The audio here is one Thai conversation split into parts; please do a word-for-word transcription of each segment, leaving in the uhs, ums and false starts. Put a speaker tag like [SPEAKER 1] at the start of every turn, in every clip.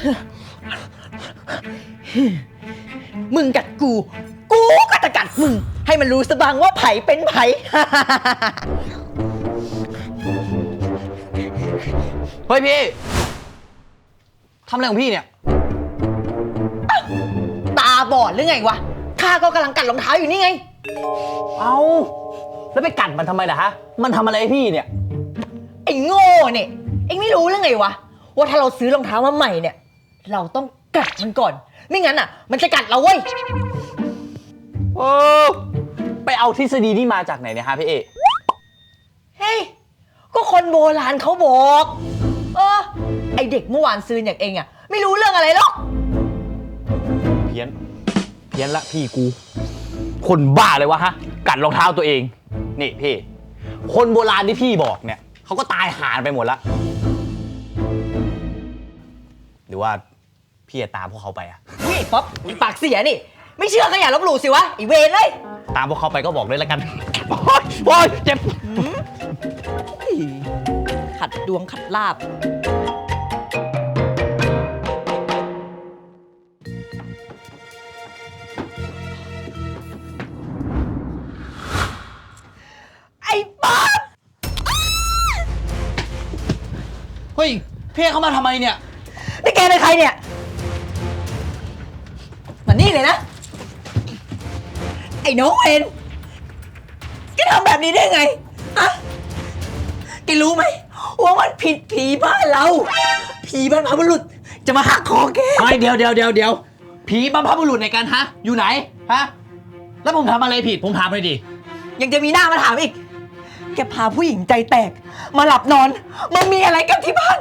[SPEAKER 1] มึงกัดกูกูก็จะกัดมึงให้มันรู้สบ้างว่าไผ่เป็นไผ่
[SPEAKER 2] เฮ้ยพี่ทำอะไรของพี่เนี่ย
[SPEAKER 1] ตาบอดหรือไงวะข้าก็กำลังกัดรองเท้าอยู่นี่ไง
[SPEAKER 2] เอาแล้วไปกัดมันทำไมล่ะฮะมันทำอะไรให้พี่เนี่ย
[SPEAKER 1] ไอ้โง่เนี่ยเอ็งไม่รู้หรือไงวะว่าถ้าเราซื้อรองเท้ามาใหม่เนี่ยเราต้องกัดมันก่อนไม่งั้นอ่ะมันจะกัดเราเว้ย
[SPEAKER 2] โอ้ไปเอาทฤษฎีนี่มาจากไหนเนี่ยฮะพี่เอ
[SPEAKER 1] เฮ้ยก็คนโบราณเขาบอกเออไอเด็กเมื่อวานซื้ออย่างเองอ่ะไม่รู้เรื่องอะไรหรอก
[SPEAKER 2] เพี้ยนเพี้ยนละพี่กูคนบ้าเลยวะฮะกัดรองเท้าตัวเองนี่พี่คนโบราณที่พี่บอกเนี่ยเขาก็ตายหาไปหมดละหรือว่าพี่จะตามพวกเขาไปอะ
[SPEAKER 1] นี่ป๊อปปากเสียนี่ไม่เชื่อก็อย่าลบหลู่สิวะไอเวรเลย
[SPEAKER 2] ตามพวกเขาไปก็บอกเลยแล้วกันโอ๊ยโอ๊ยเจ็บ
[SPEAKER 1] ขัดดวงขัดลาบไอ้ป๊อป
[SPEAKER 2] เฮ้ยพี่เข้ามาทำไมเนี่ย
[SPEAKER 1] นี่แกเป็นใครเนี่ยมานี่เลยนะไอ้น้องเอ็นแกทำแบบนี้ได้ไงอะแกรู้ไหมว่ามันผิดผีบ้านเราผีบรรพบุรุษจะมาหักคอแก
[SPEAKER 2] เฮ้ยเดี๋ยวเดี๋ยวเดี๋ยวเดี๋ยวผีบรรพบุรุษในกันฮะอยู่ไหนฮะแล้วผมทำอะไรผิดผมถามเลยดิ
[SPEAKER 1] ยังจะมีหน้ามาถามอีกแกพาผู้หญิงใจแตกมาหลับนอนมามีอะไรกันที่บ้าน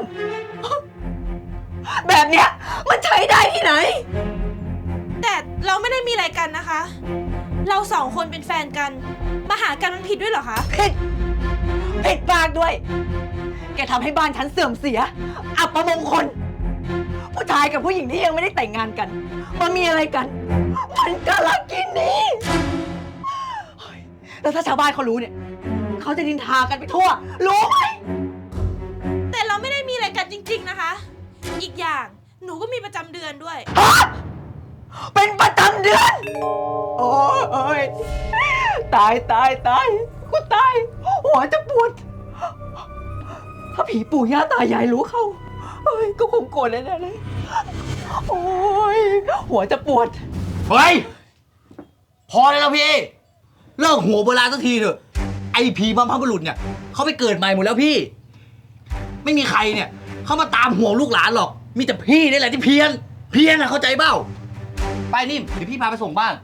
[SPEAKER 1] แบบเนี้ยมันใช้ได้ที่ไหน
[SPEAKER 3] แต่เราไม่ได้มีอะไรกันนะคะเราสองคนเป็นแฟนกันมาหากันมันผิดด้วยเหรอคะ
[SPEAKER 1] ผิดผิดมากด้วยแกทำให้บ้านฉันเสื่อมเสียอับประมงคลผู้ชายกับผู้หญิงที่ยังไม่ได้แต่งงานกันมามีอะไรกันมันกะลักกินนี่แล้วถ้าชาวบ้านเขารู้เนี่ยเขาจะนินทากันไปทั่วรู้ไหม
[SPEAKER 3] แต่เราไม่ได้มีอะไรกันจริงๆนะคะอีกอย่างหนูก็มีประจำเดือนด้วย
[SPEAKER 1] เป็นประจำเดือนโอ้ยตายตายตายกูตายหัวจะปวดถ้าผีปู่ย่าตายายรู้เข้าเฮ้ยก็คงโกรธแน่ๆเลยโอ้ยหัวจะปวด
[SPEAKER 2] เฮ้ยพอเลยแล้วพี่เลิกหัวโบราณสักทีเถอะไอ้ผีบรรพบุรุษเนี่ยเขาไปเกิดใหม่หมดแล้วพี่ไม่มีใครเนี่ยเขามาตามห่วงลูกหลานหรอกมีแต่พี่นี่แหละที่เพี้ยนเพี้ยนอะเข้าใจเปล่าไปนิ่มเดี๋ยวพี่พาไปส่งบ้าน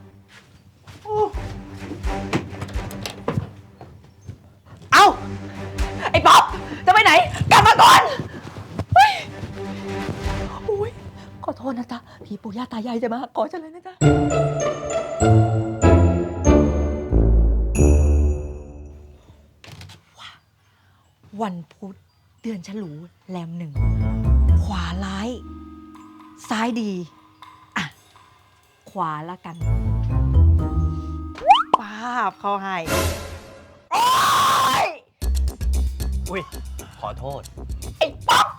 [SPEAKER 1] เอาไอ้ป๊อปจะไปไหนกลับมาก่อนโอ้ยขอโทษนะจ๊ะผีปู่ย่าตายายจะมาขอฉันเลยนะจ๊ะวันพุธเดือนฉลูแรมหนึ่งขวาร้ายซ้ายดีอ่ะขวาละกันป้าบเขาให้โอ๊ย
[SPEAKER 2] อุ้ยขอโทษ
[SPEAKER 1] ไอ้ป๊อป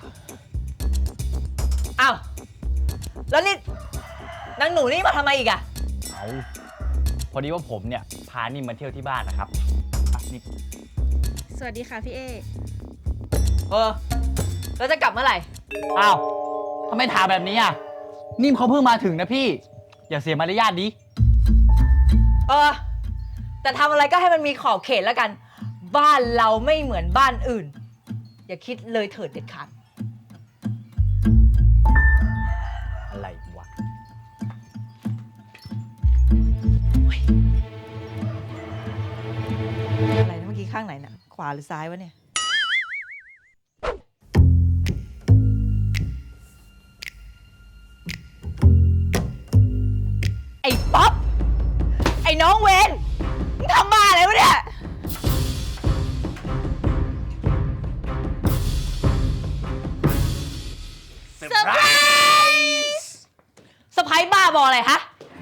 [SPEAKER 1] อ้าวแล้วนี่นางหนูนี่มาทำไมอีกอะ
[SPEAKER 2] เอาพอดีว่าผมเนี่ยพานิ่มมาเที่ยวที่บ้านนะครับนี่
[SPEAKER 3] สวัสดีค่ะพี่เอ
[SPEAKER 1] เออแล้วจะกลับเมื่อไหร่
[SPEAKER 2] อ้าวทำไมถามแบบนี้อ่ะนิ่มเขาเพิ่งมาถึงนะพี่อย่าเสียมารยาทดิ
[SPEAKER 1] เออแต่ทำอะไรก็ให้มันมีขอบเขตแล้วกันบ้านเราไม่เหมือนบ้านอื่นอย่าคิดเลยเถิดเด็ดขาด
[SPEAKER 2] อะไรวะ
[SPEAKER 1] อะไรนะเมื่อกี้ข้างไหนน่ะขวาหรือซ้ายวะเนี่ยไอ้ป๊อปไอ้น้องเวนมึงทำบ้าอะไรวะเนี่ยเซอร์ไพรส์เซอร์ไพรส์บ้าบออะไรฮะ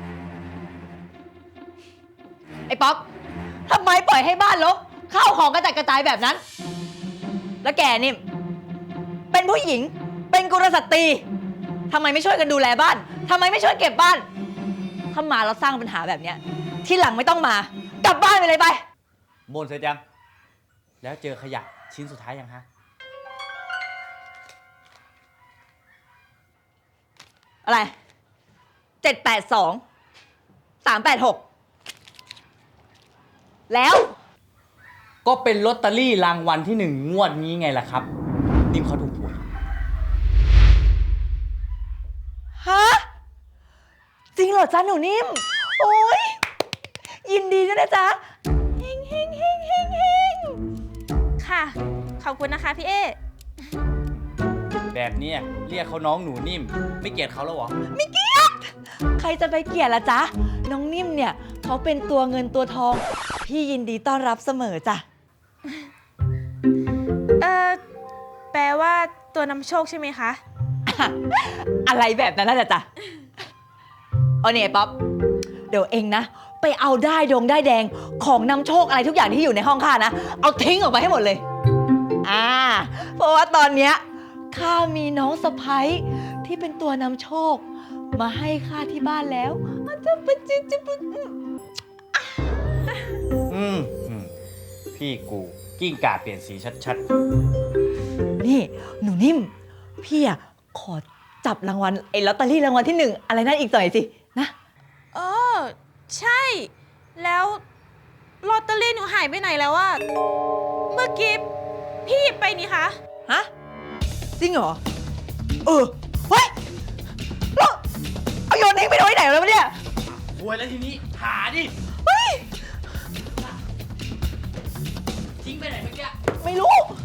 [SPEAKER 1] ไอ้ป๊อปทำไมปล่อยให้บ้านรกข้าวของกระจัดกระจายแบบนั้นแล้วแกนี่เป็นผู้หญิงเป็นกุลสตรีทำไมไม่ช่วยกันดูแลบ้านทำไมไม่ช่วยเก็บบ้านถ้ามาแล้วสร้างปัญหาแบบเนี้ยที่หลังไม่ต้องมากลับบ้านไปเลยไป
[SPEAKER 2] บนเสร็จยัง แล้วเจอขยะชิ้นสุดท้ายยังฮะ
[SPEAKER 1] อะไรเจ็ดแปดสองสามแปดหกแล้ว
[SPEAKER 2] ก็เป็นลอตเตอรี่รางวัลที่หนึ่งงวดนี้ไงล่ะครับ นิ่มเขาถูกหวย
[SPEAKER 1] ฮะจริงเหรอจ๊ะหนูนิ่มโอ้ยยินดีด้วยนะจ๊ะเฮงเฮงเฮงเฮงเฮง
[SPEAKER 3] ค่ะ ขอบคุณนะคะพี่เอ
[SPEAKER 2] แบบเนี้ยเรียกเขาน้องหนูนิ่ม ไม่เกลียดเขาแล้วเหรอ
[SPEAKER 1] ไม่เกลียดใครจะไปเกลียดล่ะจ๊ะน้องนิ่มเนี่ยเขาเป็นตัวเงินตัวทองพี่ยินดีต้อนรับเสมอจ้ะ
[SPEAKER 3] เออแปลว่าตัวนำโชคใช่ไหมคะ
[SPEAKER 1] อะไรแบบนั้นน่ะจ๊ะเอาเนี่ยป๊อปเดี๋ยวเองนะไปเอาได้ดงได้แดงของนำโชคอะไรทุกอย่างที่อยู่ในห้องข้านะเอาทิ้งออกไปให้หมดเลยอ่าเพราะว่าตอนเนี้ยข้ามีน้องสะใภ้ที่เป็นตัวนำโชค มาให้ข้าที่บ้านแล้วอาจจะเป็นจิจะเป็น
[SPEAKER 2] อืมอืมพี่กูกิ้งก่าเปลี่ยนสีชัด
[SPEAKER 1] นี่หนูนิ่มพี่อะขอจับรางวัลไอ้ลอตเตอรี่รางวัลที่หนึ่งอะไรนั่นอีกหน่อยสินะ
[SPEAKER 3] เออ ใช่ แล้วลอตเตอรี่หนูหายไปไหนแล้วอะเมื่อกี้พี่หยิบไปนี่คะ
[SPEAKER 1] ฮะจริงเหรอเออเฮ้ยแล้วเอาโยนทิ้งไปไว้ไหนแล้ววะเนี่ย
[SPEAKER 2] ๆหวยแล้วทีนี้ หาดิ
[SPEAKER 1] เฮ้ย
[SPEAKER 2] ทิ้งไปไหนเมื่อกี้
[SPEAKER 1] ไม่รู้